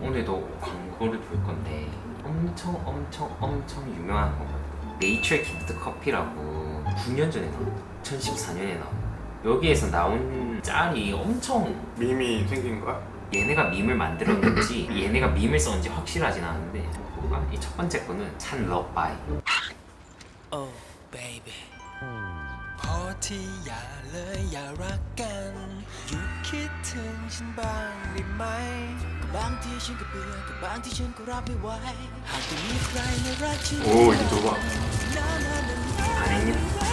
오늘도 광고를 볼 건데 엄청 유명한 거거든요. 네이처 키드 커피라고 9년 전에 나왔다. 2014년에 나왔다. 여기에서 나온 짤이 엄청 밈이 생긴 거야? 얘네가 밈을 만들었는지 얘네가 밈을 썼는지 확실하진 않은데 이 첫 번째 거는 찬 러바이. Oh baby พอที่อย่าเลยอย่ารักกันหยุดคิดถึงฉันบ้างได้ไหมก็บางทีฉันก็เบื่อก็บางทีฉันก็รับไม่ไหวหากจะมีใครมารักฉัน 오 이거 좋아. 안 했냐?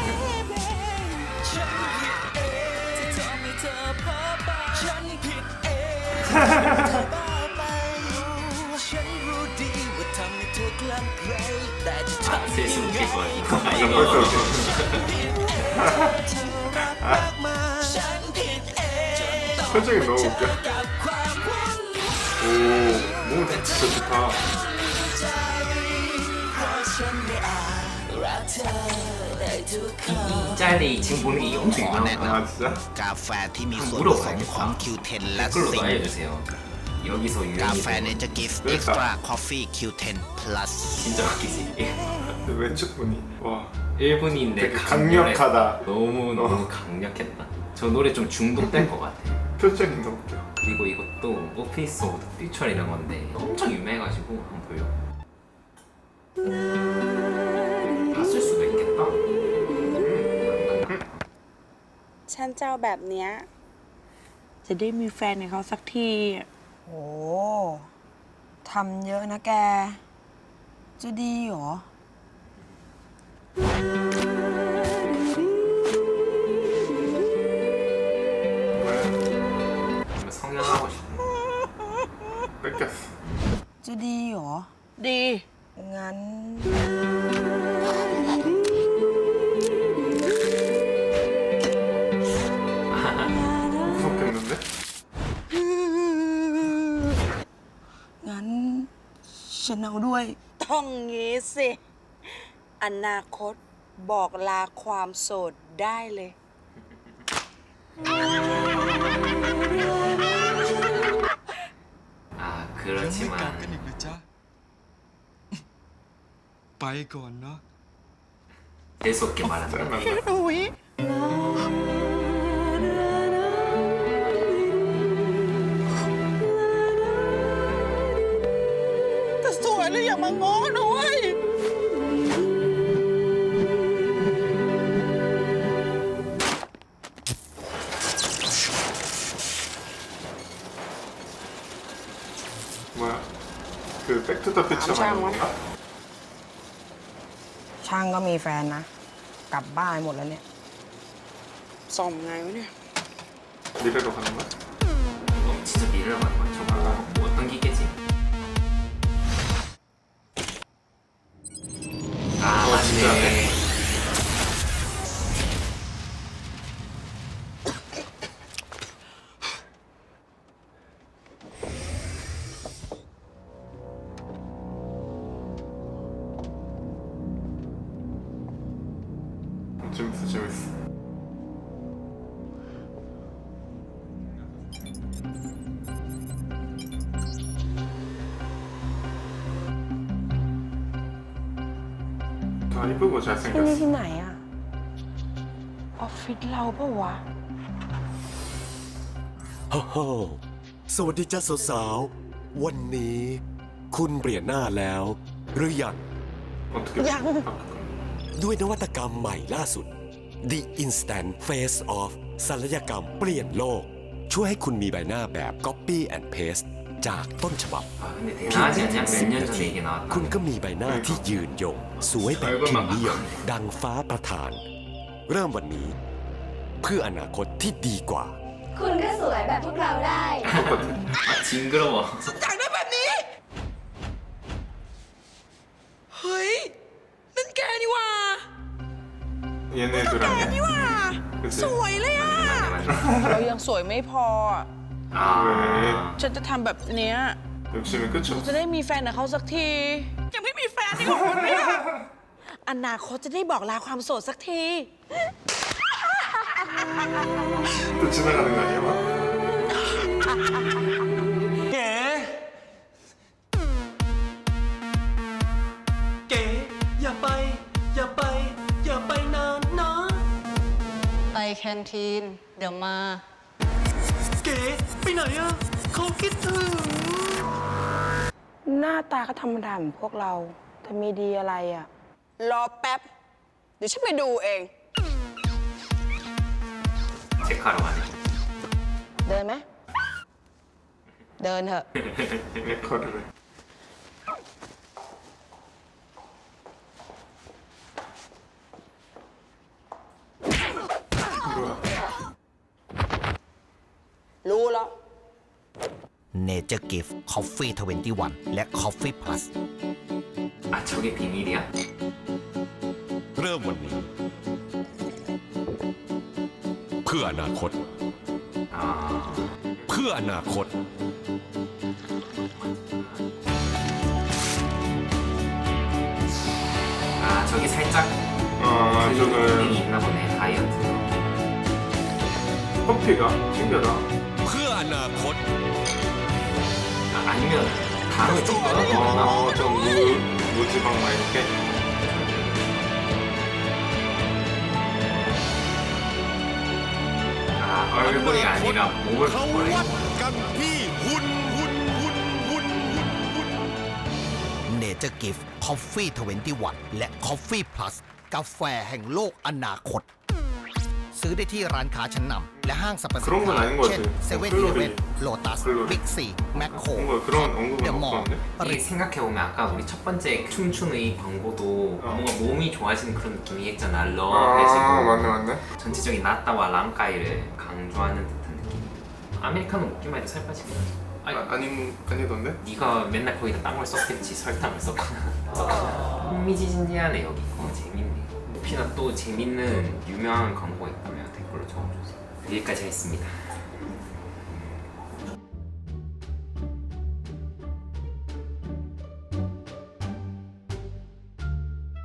ฉันผิดเองที่ทำให้เธอเพ้อไปฉันผิดเองเธอบ้าไปฉันรู้ดีว่าทำให้เธอกลั่นไกลแต่จะทำ 세수 ยังไง 웃길 거야 이거. 아, 벌써 이거. 웃겨. เธอรักมากมาฉันผิดเอง 표정이 너무 웃겨. กับความวุ่น 오 너무 진짜 좋다. ใจเพราะฉันได้อ่านรักเธอได้ทุกคำ 이 짤이 지금 보는 게 엄청 유명하다. 아 진짜? กาแฟที่มีส่วน 물어봐야겠다 ผสมของ Q10 และ 댓글로도 ซิงค์ 알려주세요. 여기서 กา 유명이 แฟ 된 เน 거. เจอร์กิฟต์ 왜 เอ็กซ์ตร้าคอฟฟี่ Q10 plus 진짜 웃기지. 근데 왼쪽 분이 와 일본인데 되게 강렬해. 강력하다. 너무 강력했다. 저 노래 좀 중독될 것 같아. 표정이 너무 웃겨. 그리고 이것도 오피스 오브 퓨처이라는 건데 엄청 유명해가지고 한번 보려. 봤을 수도 있겠다. ฉันเจ้าแบบเนี้ยจะได้มีแฟนกับเขาสักทีโอ้ทำเยอะนะแก จะดีเหรอ 뭐야? 성형하고 싶어. 뺏겼어. จะดีเหรอ ดี งั้น 무섭겠는데? งั้น ฉันเอาด้วย ต้องงี้สิ อนาคตบอกลาความโสดได้เลย 아 ยังไม่กลับ 그렇지만 กันอีกนะจ๊ะ ไปก่อนเนาะ 재수없게 말한다. 짜증난다. อุ้ยแต่สวยเลยอย่ามาง้อนะเว้ย 뭐야? 그 백투더퓨처 말하는 건가? ช่างก็มีแฟนนะ กลับบ้านหมดแล้วเนี่ยส่งไงวะเนี่ย 미래로 가는 거야? 너 진짜 미래를 가는 거야. 저거 어떤 기계지? 아 진짜네. 맞네. 재밌어 재밌어. 다 이쁘고 ที่นี่ 잘생겼어. ที่ไหนอะออฟฟิศเราปะวะโอ้โหสวัสดีจ้าสาวๆ วันนี้คุณเปลี่ยนหน้าแล้ว หรือยัง 어떻게 야. 바꿀까? ด้วยนวัตกรรมใหม่ล่าสุด The Instant Face Off ศัลยกรรมเปลี่ยนโลก ช่วยให้คุณมีใบหน้าแบบ Copy and Paste จากต้นฉบับ 아 근데 เพียง 대단하지 แค่ 않냐? 10 몇 년 นา 전에 ที 이게 나왔다. คุณก็มีใบหน้าที่ยืนยง สวยแบบพิมพ์นิยมดังฟ้าประทาน เริ่มวันนี้ เพื่ออนาคตที่ดีกว่าคุณก็สวยแบบพวกเราได้ 아 징그러워. อยากได้แบบนี้ เฮ้ย นั่นแกนี่หว่า 얘네들 แก 아니야? นี่หว่า 그치? สวยเลยอ่ะ เรายังสวยไม่พออะ 아 ฉันจะทำแบบเนี้ย 욕심이 끝이 จะ 없어. ได้มีแฟนกับเขาสักที ยังไม่มีแฟนนี่ก็คนเนี่ยอนาคตจะได้บอกลาความโสดสักที 또 지나가는 거 아니야? 막? เก๋นทีน เดี๋ยวมาเก๋ไปไหนอะเขาคิดถึงหน้าตาก็ธรรมดาเหมือนพวกเราแต่มีดีอะไรอ่ะรอแป๊บ เดี๋ยวฉันไปดูเอง 체크하러 가네. เดินไหม เดินเถอะ 레코드를. 뭐야? รู้แล้ว Nature Gift Coffee 21 และ Coffee Plus 아 저게 비밀이야? เริ่มวันนี้ เพื่ออนาคต 아 เพื่ออนาคต 아 저게 살짝 아, 기능이 저는 있나 보네 다이어트. 커피가 신기하다. เพื่ออนาคต 아니면 다른 좀 넣어놨나? 좀 무지방 막 이렇게. 아 얼굴이 아니라 몸을 เขา 바꿔라 วัด 이거. กันที่หุ่น Nature Gift Coffee 21 และ Coffee Plus กาแฟแห่งโลกอนาคต ซื้อได้ที่ร้านค้าชั้นนำและห้างสรรพสิน 그런 건 ค้า 아닌 것 เช่น 같아. เซเว่น 클로리. อีเลฟเว่นโลตัส 클로리. บิ๊กซีแมคโคร 뭔가 그런 언급은 เดอะมอลล์ 없었는데? 이게 생각해보면 아까 우리 첫 번째 춤추는 이 광고도 뭔가 몸이 좋아지는 그런 느낌이 했잖아. 아, 러해지고 맞네. 전체적인 나따와 랑까이를 강조하는 듯한 느낌. 아메리카노 먹기만 해도 살 빠지긴 하지. 아니, 아니던데? 네가 맨날 거기다 딴 걸 썼겠지. 설탕을 썼거나. 흥미진진하네 여기. 재밌네. 혹시나 또 재밌는 유명한 광고가 있다면 댓글로 적어주세요. 여기까지 하겠습니다.